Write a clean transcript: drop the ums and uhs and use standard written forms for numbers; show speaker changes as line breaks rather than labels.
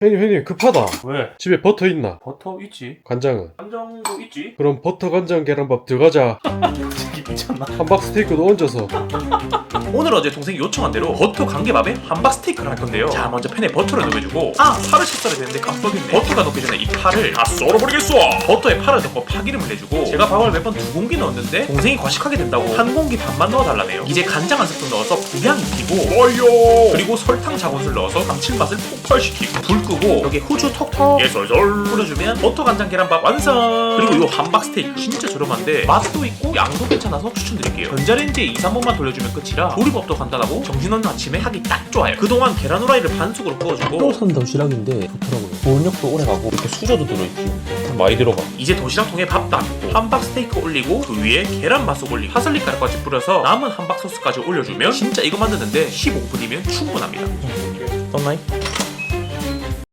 형님 급하다.
왜?
집에 버터 있나?
버터 있지.
간장은?
간장도 있지.
그럼 버터 간장 계란밥 들어가자.
새끼 미쳤나?
함박 스테이크도 얹어서.
오늘 어제 동생이 요청한 대로 버터 간개밥에 함박 스테이크를 할 건데요. 자, 먼저 팬에 버터를 녹여주고, 파를 씻어야 되는데 깜빡했네. 버터가 녹기 전에 이 파를 다 썰어버리겠어. 버터에 파를 넣고 파기름을 내주고, 제가 밥을 몇 번 2공기 넣었는데 동생이 과식하게 된다고 1공기 반만 넣어달라네요. 이제 간장 한 스푼 넣어서 불향 익히고, 그리고 설탕 작은술 넣어서 감칠맛을 폭발시키고, 불 끄고 여기 후추 톡톡 예솔솔 뿌려주면 버터 간장 계란밥 완성. 그리고 요 함박 스테이크 진짜 저렴한데 맛도 있고 양도 괜찮아서 추천드릴게요. 전자레인지에 2, 3번만 돌려주면 끝이라 조리법도 간단하고 정신없는 아침에 하기 딱 좋아요. 그동안 계란 후라이를 반숙으로 구워주고,
새로 산 도시락인데 좋더라고요. 보온력도 오래가고 이렇게 수저도 들어있고 많이 들어가.
이제 도시락통에 밥 담고 함박 스테이크 올리고 그 위에 계란 맛속 올리고 파슬리 가루까지 뿌려서 남은 함박 소스까지 올려주면 진짜 이거 만드는데 15분이면 충분합니다.
떴나이?